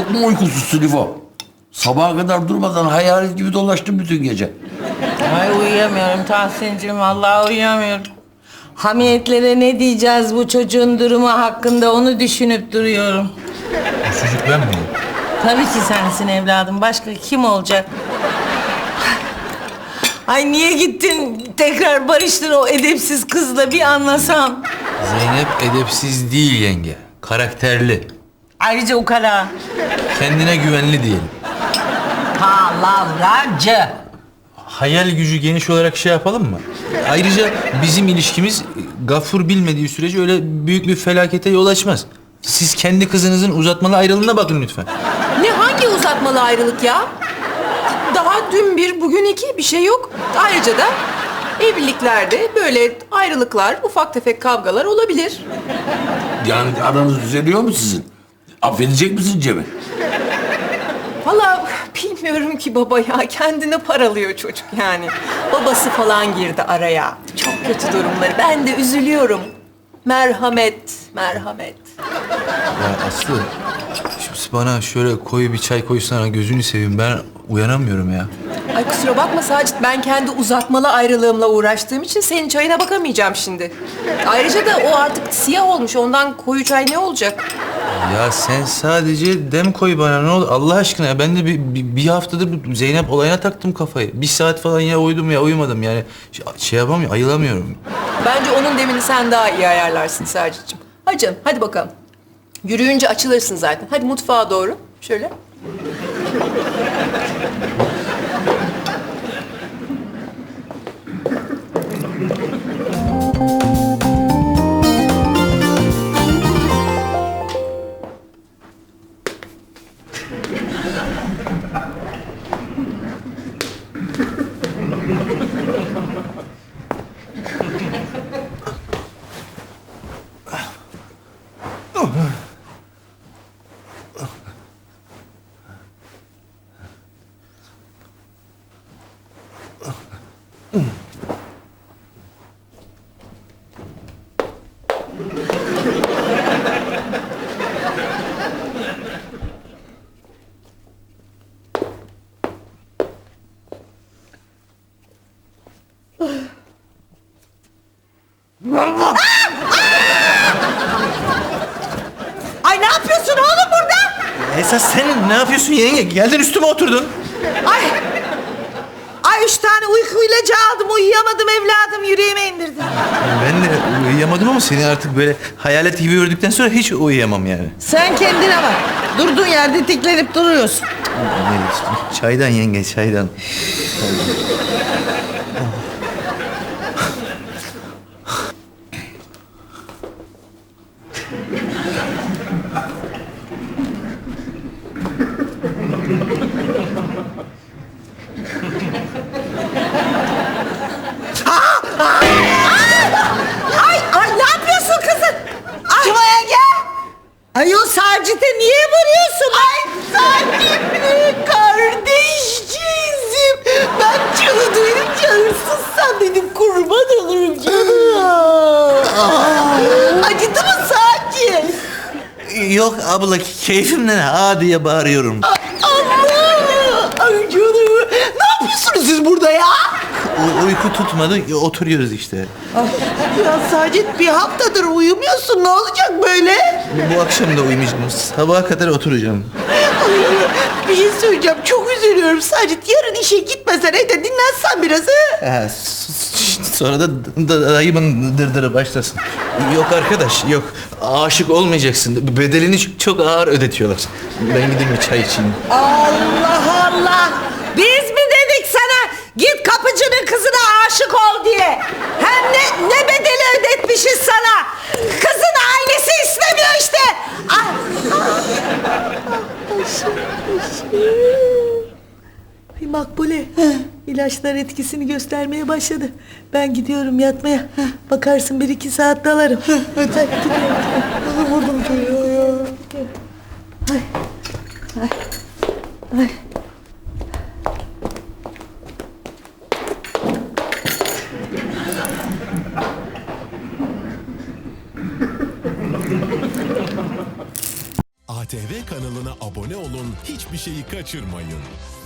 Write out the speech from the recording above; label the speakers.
Speaker 1: Çok mu uykusuzsun İfo? Sabaha kadar durmadan hayalet gibi dolaştım bütün gece.
Speaker 2: Ay uyuyamıyorum Tahsin'cim, vallahi uyuyamıyorum. Hamiyetlere ne diyeceğiz bu çocuğun durumu hakkında onu düşünüp duruyorum.
Speaker 3: Bu çocuk ben miyim?
Speaker 2: Tabii ki sensin evladım. Başka kim olacak? Ay niye gittin tekrar barıştın o edepsiz kızla bir anlasam.
Speaker 3: Zeynep edepsiz değil yenge. Karakterli.
Speaker 2: Ayrıca ukala.
Speaker 3: Kendine güvenli diyelim.
Speaker 2: Palavracı.
Speaker 3: Hayal gücü geniş olarak şey yapalım mı? Ayrıca bizim ilişkimiz Gafur bilmediği sürece öyle büyük bir felakete yol açmaz. Siz kendi kızınızın uzatmalı ayrılığına bakın lütfen.
Speaker 4: Ne hangi uzatmalı ayrılık ya? Daha dün bir, bugün iki bir şey yok. Ayrıca da evliliklerde böyle ayrılıklar, ufak tefek kavgalar olabilir.
Speaker 1: Yani aranız düzeliyor mu sizin? Affedecek misin Cem'i?
Speaker 4: Vallahi bilmiyorum ki baba ya. Kendini paralıyor çocuk yani. Babası falan girdi araya. Çok kötü durumları. Ben de üzülüyorum. Merhamet, merhamet.
Speaker 3: Ya Aslı, şimdi bana şöyle koyu bir çay koysana, gözünü seveyim, ben uyanamıyorum ya.
Speaker 4: Ay kusura bakma Sacit, ben kendi uzatmalı ayrılığımla uğraştığım için senin çayına bakamayacağım şimdi. Ayrıca da o artık siyah olmuş, ondan koyu çay ne olacak?
Speaker 3: Ya sen sadece dem koy bana, ne olur Allah aşkına ya. Ben de bir haftadır bu Zeynep olayına taktım kafayı. Bir saat falan ya uyudum ya uyumadım yani. Şey yapamıyorum, ayılamıyorum.
Speaker 4: Bence onun demini sen daha iyi ayarlarsın Sacit'ciğim. Hadi canım, hadi bakalım. Yürüyünce açılırsın zaten. Hadi mutfağa doğru, şöyle.
Speaker 2: Ay ne yapıyorsun oğlum burada?
Speaker 3: Esas sen ne yapıyorsun yenge? Geldin üstüme oturdun.
Speaker 2: Ay. Ay 3 tane uyku ilacı aldım. Uyuyamadım evladım. Yüreğime indirdim.
Speaker 3: Ben de uyuyamadım ama seni artık böyle hayalet gibi gördükten sonra hiç uyuyamam yani.
Speaker 2: Sen kendine bak. Durduğun yerde tiklenip duruyorsun.
Speaker 3: Çaydan yenge, çaydan.
Speaker 2: Ay ne yapıyorsun kızım? Kim o yenge? Ay o Sacit'e niye vuruyorsun? Ay Sacit'le kardeşcizim. Ben canı duyunca hırsızsan dedim kurban olurum canım. Acıdı mı Sacit?
Speaker 3: Yok abla, keyfimden ha diye bağırıyorum.
Speaker 2: Allah! Ay canım. Ne yapıyorsunuz siz burada ya?
Speaker 3: Uyku tutmadı, oturuyoruz işte.
Speaker 2: Ya Sacit bir haftadır uyumuyorsun. Ne olacak böyle?
Speaker 3: Bu akşam da uyumayacağım, sabaha kadar oturacağım.
Speaker 2: Bir şey söyleyeceğim. Çok üzülüyorum Sacit. Yarın işe gitmesen evde dinlensen biraz ha?
Speaker 3: Ha, sonra da dayımın dırdırı başlasın. Yok arkadaş, yok. Aşık olmayacaksın. Bedelini çok ağır ödetiyorlar. Ben gideyim bir çay içeyim.
Speaker 2: Allah Allah! Biz mi dedik sana git kapıcının kızına aşık ol diye? Hem ne bedeli ödetmişiz sana? Kızın ailesi istemiyor işte. Ah!
Speaker 5: Ay Makbule, ilaçlar etkisini göstermeye başladı. Ben gidiyorum yatmaya. Bakarsın 1-2 saat dalarım. Hadi gidiyorum. Vurdum çocuğu ya. Ay. Ay. Ay.
Speaker 6: ATV kanalına abone olun, hiçbir şeyi kaçırmayın.